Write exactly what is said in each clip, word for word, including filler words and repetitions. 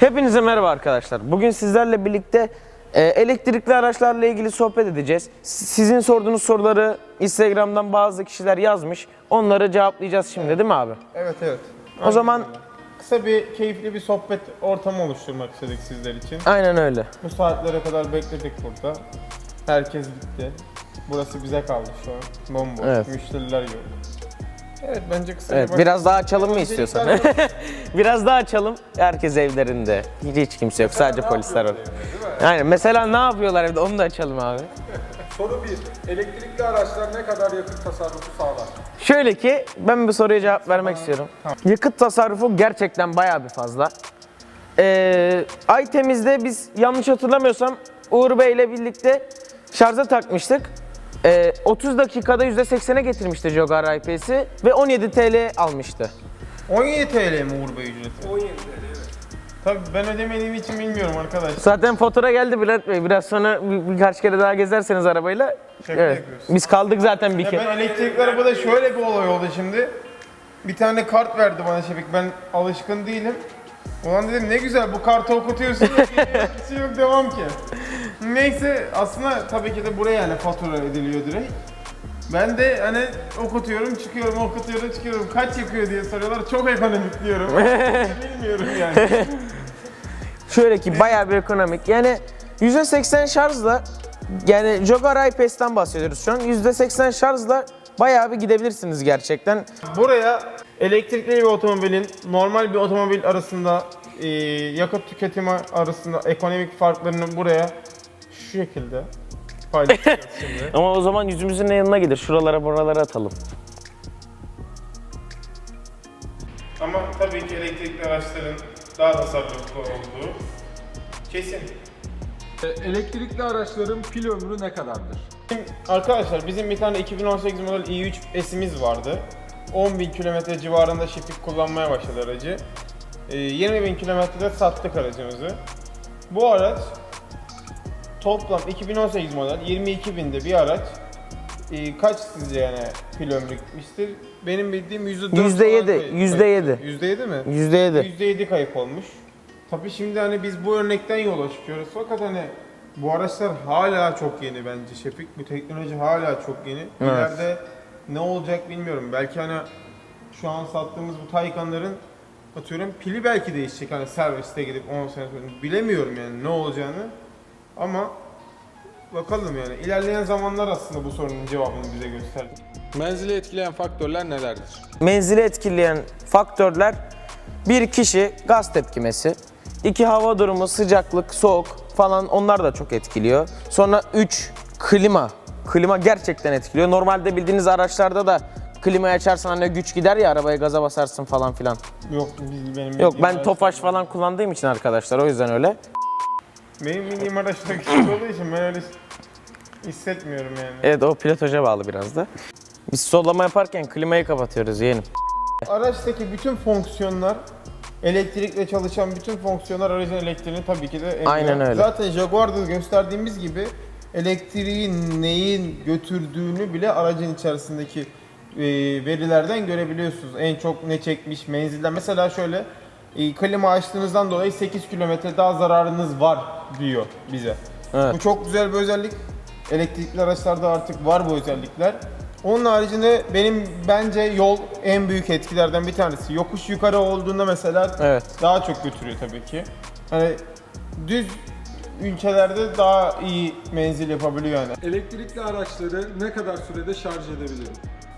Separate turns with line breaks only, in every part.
Hepinize merhaba arkadaşlar. Bugün sizlerle birlikte e, elektrikli araçlarla ilgili sohbet edeceğiz. Sizin sorduğunuz soruları Instagram'dan bazı kişiler yazmış. Onları cevaplayacağız şimdi, değil mi abi?
Evet evet.
O zaman
kısa bir keyifli bir sohbet ortamı oluşturmak istedik sizler için.
aynen öyle.
Bu saatlere kadar bekledik burada. Herkes gitti. Burası bize kaldı şu an. Bomboş.
Evet.
Müşteriler yok. Evet bence kısa
Evet, biraz daha açalım mı istiyorsan? Biraz daha açalım. Herkes evlerinde. Hiç, hiç kimse yok. Sadece polisler var. Aynen. Mesela ne yapıyorlar evde? Onu da açalım abi.
Soru bir. Elektrikli araçlar ne kadar yakıt tasarrufu sağlar?
Şöyle ki ben bir soruya cevap vermek istiyorum. Yakıt tasarrufu gerçekten bayağı bir fazla. Ee, Aytemiz'de biz yanlış hatırlamıyorsam Uğur Bey ile birlikte şarja takmıştık. Ee, otuz dakikada yüzde seksene getirmişti Jogar I P S'i ve on yedi TL almıştı.
on yedi TL mi Uğur Bey ücreti?
on yedi TL evet.
Tabii ben ödemediğim için bilmiyorum arkadaş.
Zaten fatura geldi Bülent Bey. Biraz sonra bir, birkaç kere daha gezerseniz arabayla.
Şaka
Evet.
yapıyorsun.
Biz kaldık zaten bir
Ya
kere.
ben elektrikli arabada şöyle bir olay oldu şimdi. Bir tane kart verdi bana Şefik. Ben alışkın değilim. Ulan dedim ne güzel bu kartı okutuyorsun. Bir şey yok devam ki. Neyse aslında tabii ki de buraya yani fatura ediliyor direkt. Ben de hani okutuyorum çıkıyorum okutuyorum çıkıyorum kaç yakıyor diye soruyorlar çok ekonomik diyorum. Bilmiyorum yani.
Şöyle ki bayağı bir ekonomik. Yani yüzde seksen şarjla, yani Jogar I P S'ten bahsediyoruz şu an. yüzde seksen şarjla bayağı bir gidebilirsiniz gerçekten.
Buraya elektrikli bir otomobilin normal bir otomobil arasında e, yakıt tüketimi arasında ekonomik farklarını buraya şu şekilde paylaşacağız şimdi.
Ama o zaman yüzümüzün yanına gelir. Şuralara buralara atalım.
Ama tabii ki elektrikli araçların daha tasarruflu olduğu kesin.
E, Elektrikli araçların pil ömrü ne kadardır?
Şimdi arkadaşlar bizim bir tane iki bin on sekiz model i üç S'imiz vardı. on bin kilometre civarında Şefik kullanmaya başladı aracı. Ee, yirmi bin kilometrede sattık aracımızı. Bu araç toplam iki bin on sekiz model yirmi iki binde bir araç. Ee, kaç sizce yani pil ömrü gitmiştir? Benim bildiğim yüzde dört
Yüzde yedi,
falan kayıp.
yüzde yedi.
yüzde yedi mi?
yüzde yedi.
yüzde yedi kayıp olmuş. Tabii şimdi hani biz bu örnekten yola çıkıyoruz fakat hani bu araçlar hala çok yeni bence Şefik. Bu teknoloji hala çok yeni. İleride ne olacak bilmiyorum. Belki hani şu an sattığımız bu Taycan'ların atıyorum pili belki değişecek. Hani serviste gidip on sene sonra bilemiyorum yani ne olacağını. Ama bakalım yani ilerleyen zamanlar aslında bu sorunun cevabını bize gösterdi.
Menzili etkileyen faktörler nelerdir?
Menzili etkileyen faktörler: bir kişi gaz tepkimesi, iki hava durumu, sıcaklık, soğuk falan, onlar da çok etkiliyor. Sonra üç klima. Klima gerçekten etkiliyor. Normalde bildiğiniz araçlarda da klimayı açarsan hani güç gider ya, arabaya gaza basarsın falan filan.
Yok biz benim
Yok,
bildiğim
ben Tofaş falan kullandığım için arkadaşlar, o yüzden öyle.
Benim bildiğim araçlar küçük olduğu için ben öyle hissetmiyorum yani.
Evet, o pilotaja bağlı biraz da. Biz sollama yaparken klimayı kapatıyoruz yeğenim.
Araçtaki bütün fonksiyonlar, elektrikle çalışan bütün fonksiyonlar aracın elektriğini tabii ki de emiyor.
Aynen öyle.
Zaten Jaguar'da gösterdiğimiz gibi elektriği neyin götürdüğünü bile aracın içerisindeki e, verilerden görebiliyorsunuz. En çok ne çekmiş, menzilden. Mesela şöyle, e, klima açtığınızdan dolayı sekiz kilometre daha zararınız var diyor bize.
Evet.
Bu çok güzel bir özellik. Elektrikli araçlarda artık var bu özellikler. Onun haricinde benim bence yol en büyük etkilerden bir tanesi. Yokuş yukarı olduğunda mesela
Evet.
daha çok götürüyor tabii ki. Hani düz ülkelerde daha iyi menzil yapabiliyor yani.
Elektrikli araçları ne kadar sürede şarj edebilirim?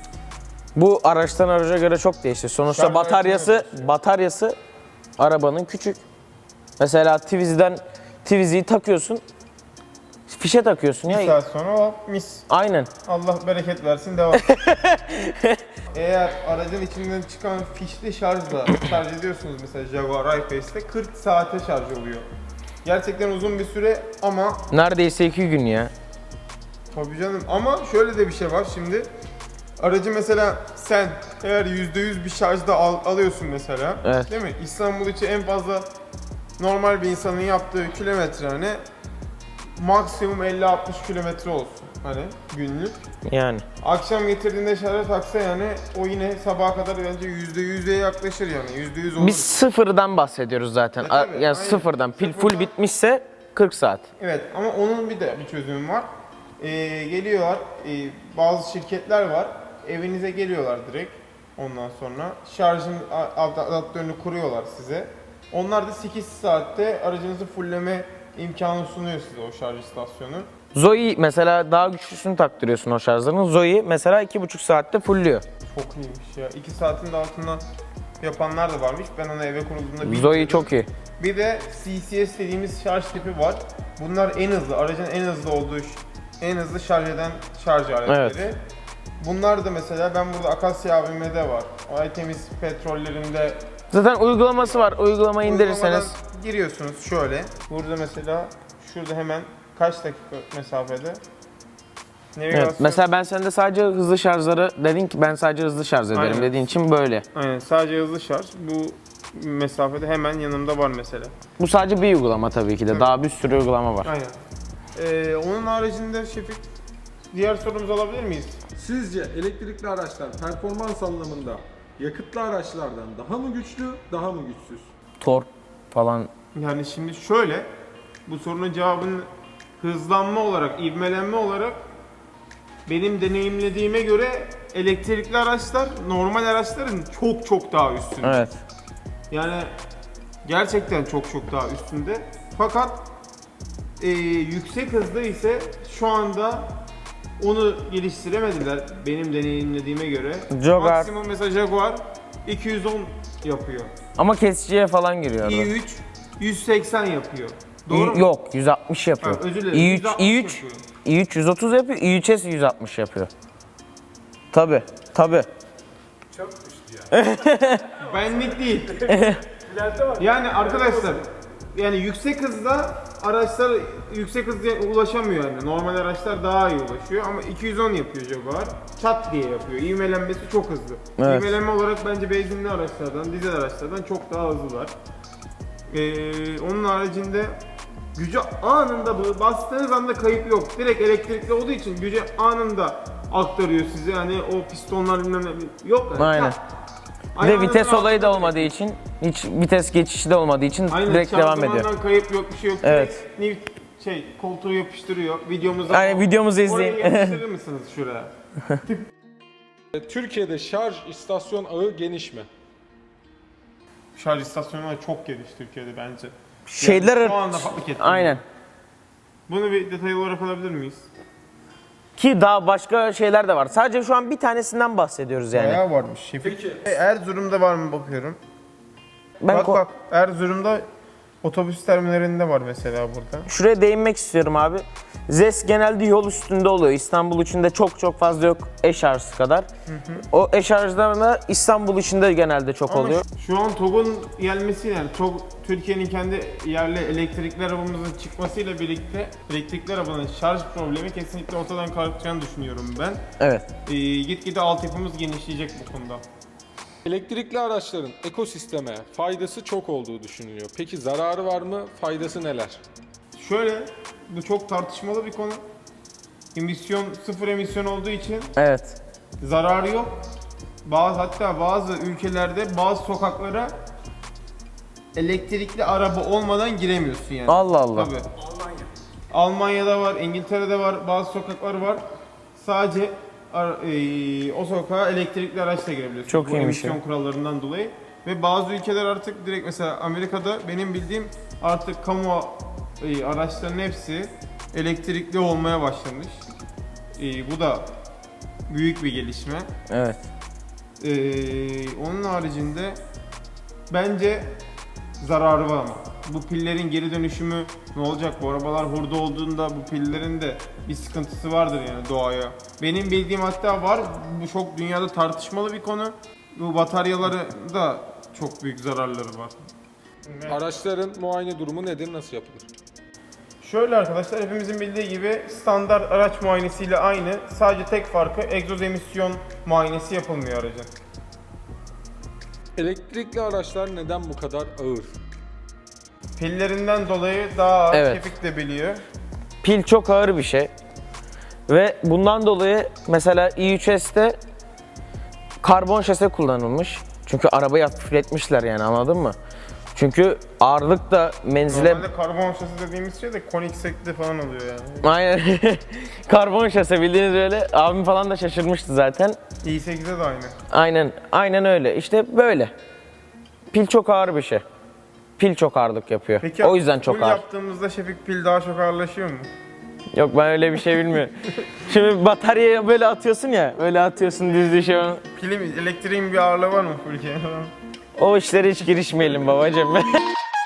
Bu araçtan araca göre çok değişiyor. Sonuçta
Şarj
bataryası
aleti
bataryası arabanın küçük. Mesela Twizy'den Twizy'yi takıyorsun. Fişe takıyorsun
Bir
ya.
saat sonra hop mis.
Aynen.
Allah bereket versin devam. Eğer aracın içinden çıkan fişli şarjla şarj ediyorsunuz mesela Jaguar I-Pace'te kırk saate şarj oluyor. Gerçekten uzun bir süre ama
Neredeyse iki gün ya.
tabii canım ama şöyle de bir şey var şimdi. Aracı mesela sen eğer yüzde yüz bir şarjda al, alıyorsun mesela,
Evet.
değil mi? İstanbul için en fazla normal bir insanın yaptığı kilometre hani maksimum elli altmış kilometre olsun. Hani günlük.
Yani.
Akşam getirdiğinde şarja taksa yani o yine sabaha kadar bence yüzde yüze yaklaşır yani. yüzde yüz olur.
Biz sıfırdan bahsediyoruz zaten.
E,
A-
tabii,
yani
aynen.
sıfırdan. Pil full
Sıfırdan.
bitmişse kırk saat.
Evet ama onun bir de bir çözümü var. Ee, geliyorlar, e, bazı şirketler var, evinize geliyorlar direkt ondan sonra. Şarjın a- adaptörünü kuruyorlar size. Onlar da sekiz saatte aracınızı fullleme imkanı sunuyor size o şarj istasyonu.
Zoe mesela daha güçlüsünü taktırıyorsun o şarjların. Zoe mesela iki buçuk saatte fullüyor.
Çok iyiymiş ya. iki saatin de altında yapanlar da varmış. Ben onu eve kurulduğunda bilmiyordum.
Zoe çok iyi.
Bir de C C S dediğimiz şarj tipi var. Bunlar en hızlı, aracın en hızlı olduğu, en hızlı şarj eden şarj aletleri.
Evet.
Bunlar da mesela ben burada Akasya A V M'de var. Aytemiz petrollerinde
Zaten uygulaması var. Uygulamayı indirirseniz.
uygulamadan giriyorsunuz şöyle. Burada mesela şurada hemen kaç dakika mesafede? Navigasyon.
Evet. Mesela ben sende sadece hızlı şarjları dedin ki ben sadece hızlı şarj ederim
Aynen.
dediğin için böyle.
Aynen, sadece hızlı şarj. Bu mesafede hemen yanımda var mesela.
Bu sadece bir uygulama tabii ki de.
Evet.
Daha bir sürü uygulama var.
Aynen. Ee, onun haricinde Şefik, diğer sorumuzu alabilir miyiz?
Sizce elektrikli araçlar performans anlamında yakıtlı araçlardan daha mı güçlü, daha mı güçsüz?
Tork falan.
Yani şimdi şöyle, bu sorunun cevabını hızlanma olarak, ivmelenme olarak benim deneyimlediğime göre elektrikli araçlar normal araçların çok çok daha üstünde.
Evet.
Yani gerçekten çok çok daha üstünde. Fakat e, yüksek hızda ise şu anda onu geliştiremediler benim deneyimlediğime göre.
Jaguar.
Maksimum mesela Jaguar iki yüz on yapıyor.
Ama kesiciye falan giriyor.
i üç yüz seksen yapıyor. Doğru mu?
Yok yüz altmış yapıyor.
Ha, özür dilerim,
i üç,
yüz altmış
i üç,
yapıyor.
i üç yüz otuz yapıyor, i üç S yüz altmış yapıyor. Tabi, tabi.
Çok güçlü yani.
Benlik değil.
İleride var.
Yani arkadaşlar, yani yüksek hızda araçlar yüksek hızda ulaşamıyor yani. Normal araçlar daha iyi ulaşıyor ama iki yüz on yapıyor Jaguar. Çat diye yapıyor. İvmelenmesi çok hızlı.
Evet.
İvmelenme olarak bence benzinli araçlardan, dizel araçlardan çok daha hızlılar. Ee, onun haricinde gücü anında bu bastığınız anda kayıp yok. Direkt elektrikli olduğu için gücü anında aktarıyor size. Hani o pistonlar bilmem ne yok. Yani.
Aynen.
Çat.
Bir de
Ayağınızın
vites olayı da
altında
olmadığı için, hiç vites geçişi de olmadığı için
Aynen,
direkt devam ediyor.
şanzımandan kayıp yok, bir şey yok.
Evet.
Direkt new- şey, koltuğu yapıştırıyor. Videomuzu
Yani videomuzu izleyin.
Orayı yapıştırır mısınız şuraya?
Türkiye'de şarj istasyon ağı geniş mi?
Şarj istasyonları çok geniş Türkiye'de bence.
Şeyler
Yani şu anda fark ettim.
aynen.
Bunu bir detaylı olarak alabilir miyiz?
Ki daha başka şeyler de var. Sadece şu an bir tanesinden bahsediyoruz yani.
Bayağı varmış Şefik.
Peki.
E, Erzurum'da var mı bakıyorum.
Ben
bak
ko-
bak, Erzurum'da otobüs terminalinde var mesela burada.
Şuraya değinmek istiyorum abi. Z E S genelde yol üstünde oluyor. İstanbul içinde çok çok fazla yok e-şarj kadar. O e-şarjlar da İstanbul içinde genelde çok
Ama
oluyor.
şu- şu an TOG'un gelmesi, yani TOG Türkiye'nin kendi yerli elektrikli arabamızın çıkmasıyla birlikte elektrikli arabanın şarj problemi kesinlikle ortadan kalkacağını düşünüyorum ben.
Evet.
Ee, gitgide altyapımız genişleyecek bu konuda.
Elektrikli araçların ekosisteme faydası çok olduğu düşünülüyor. Peki zararı var mı? Faydası neler?
Şöyle, bu çok tartışmalı bir konu. Emisyon, sıfır emisyon olduğu için
Evet.
zararı yok. Bazı, hatta bazı ülkelerde bazı sokaklara elektrikli araba olmadan giremiyorsun yani.
Allah Allah.
Tabii. Almanya'da var, İngiltere'de var, bazı sokaklar var. Sadece ar- eee, o sokağa elektrikli araçla girebiliyorsun.
Çok
Bu
iyiymiş
emisyon
ya.
kurallarından dolayı. Ve bazı ülkeler artık direkt, mesela Amerika'da benim bildiğim artık kamu eee, araçların hepsi elektrikli olmaya başlamış. Eee, bu da büyük bir gelişme.
Evet.
Ee, onun haricinde bence zararı var ama. Bu pillerin geri dönüşümü ne olacak? Bu arabalar hurda olduğunda bu pillerin de bir sıkıntısı vardır yani doğaya. Benim bildiğim hatta var. Bu çok dünyada tartışmalı bir konu. Bu bataryaları da çok büyük zararları var.
Araçların muayene durumu nedir? Nasıl yapılır?
Şöyle arkadaşlar, hepimizin bildiği gibi standart araç muayenesiyle aynı. Sadece tek farkı egzoz emisyon muayenesi yapılmıyor aracın.
Elektrikli araçlar neden bu kadar ağır?
Pillerinden dolayı daha ağır,
Evet.
Şefik de biliyor.
Pil çok ağır bir şey. Ve bundan dolayı mesela i üç S'te karbon şase kullanılmış. Çünkü arabayı hafifletmişler yani, anladın mı? Çünkü ağırlık da menzile...
Normalde karbon şasi dediğimiz şey de Koenigsegg'de falan oluyor yani.
Aynen. Karbon şase bildiğiniz öyle. Abim falan da şaşırmıştı zaten.
i sekizde de aynı.
Aynen. Aynen öyle. İşte böyle. Pil çok ağır bir şey. Pil çok ağırlık yapıyor.
Peki
O yüzden çok
full
ağır.
yaptığımızda Şefik pil daha çok ağırlaşıyor mu?
Yok, ben öyle bir şey bilmiyorum. Şimdi bataryaya böyle atıyorsun ya. Öyle atıyorsun düz düşüyor.
Pilin, elektriğin bir ağırlığı var mı full falan?
O işlere hiç girişmeyelim babacığım.